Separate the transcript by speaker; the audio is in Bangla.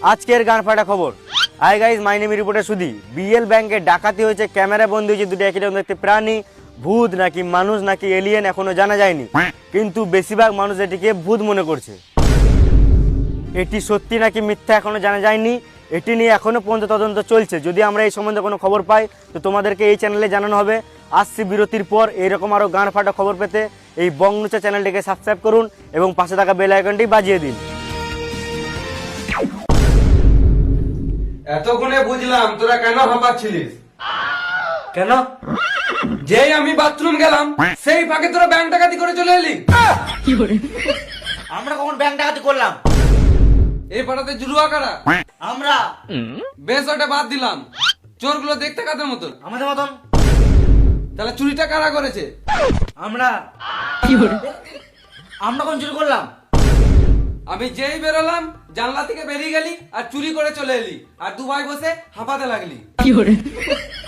Speaker 1: আজকের গান ফাটা খবর। Hi guys, my name reporter Sudhi. BL ব্যাংকে ডাকাতি হয়েছে, ক্যামেরা বন্দি হয়েছে দুটো একই রকম দেখতে প্রাণী। ভূত নাকি মানুষ নাকি এলিয়েন এখনো জানা যায়নি, কিন্তু বেশিরভাগ মানুষ এটিকে ভূত মনে করছে। এটি সত্যি নাকি মিথ্যা এখনো জানা যায়নি। এটি নিয়ে এখনো পর্যন্ত তদন্ত চলছে। যদি আমরা এই সম্বন্ধে কোনো খবর পাই তো তোমাদেরকে এই চ্যানেলে জানানো হবে। আসছি বিরতির পর। এইরকম আরও গান ফাটা খবর পেতে এই বংনুচা চ্যানেলটিকে সাবস্ক্রাইব করুন এবং পাশে থাকা বেল আইকনটি বাজিয়ে দিন।
Speaker 2: এতক্ষণে বুঝলাম তোরা কেন হাঁপাচ্ছিলিস।
Speaker 1: কেন?
Speaker 2: যেই আমি বাথরুম গেলাম সেই ফাঁকে তোরা ব্যাংক ডাকাতি করে চলে এলি।
Speaker 1: আমরা কখন ব্যাংক ডাকাতি করলাম?
Speaker 2: এই পাড়াতে জুলুয়া কারা?
Speaker 1: আমরা।
Speaker 2: বেশ, ওটা বাদ দিলাম। চোরগুলো দেখতে কাদের মতন?
Speaker 1: আমাদের মতন।
Speaker 2: তাহলে চুরিটা কারা করেছে?
Speaker 1: আমরা। আমরা কোন চুরি করলাম?
Speaker 2: আমি যেই বেরোলাম জানলা থেকে বেরিয়ে গেলি আর চুরি করে চলে এলি, আর দু ভাই বসে হাঁপাতে লাগলি।